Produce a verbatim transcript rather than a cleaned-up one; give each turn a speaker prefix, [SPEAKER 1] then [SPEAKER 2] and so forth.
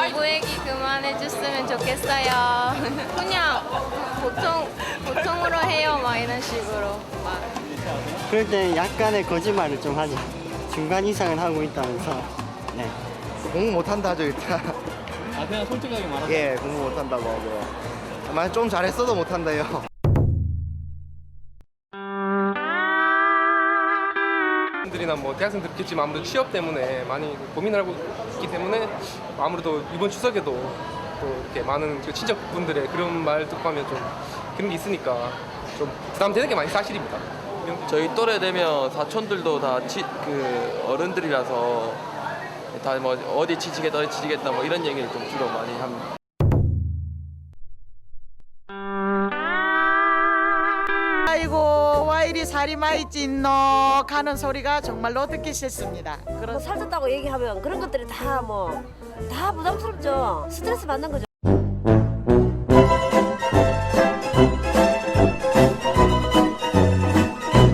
[SPEAKER 1] 공부 얘기 그만해줬으면 좋겠어요. 그냥 보통 보통으로 해요, 막 이런 식으로. 막.
[SPEAKER 2] 그럴 때 약간의 거짓말을 좀 하죠. 중간 이상은 하고 있다면서. 네.
[SPEAKER 3] 공부 못한다 하죠 일단.
[SPEAKER 4] 아 그냥 솔직하게 말하자.
[SPEAKER 3] 예, 공부 못한다고 하고. 만약 좀 잘했어도 못한다요.
[SPEAKER 5] 들이나 뭐 대학생들 있겠지만 아무래도 취업 때문에 많이 고민을 하고 있기 때문에 아무래도 이번 추석에도 또 이렇게 많은 그 친척분들의 그런 말 듣고 하면 좀 그런 게 있으니까 좀 부담되는 게 많이 사실입니다.
[SPEAKER 6] 저희 또래 되면 사촌들도 다 그 어른들이라서 다 뭐 어디 치지겠다 어디 치지겠다 뭐 이런 얘기를 좀 주로 많이 합니다.
[SPEAKER 7] 아이고 와 이리 살이 많이 찐노 가는 소리가 정말로 듣기 싫습니다.
[SPEAKER 8] 뭐
[SPEAKER 7] 그런
[SPEAKER 8] 살쪘다고 얘기하면 그런 것들이 다 뭐 다 부담스럽죠. 스트레스 받는 거죠.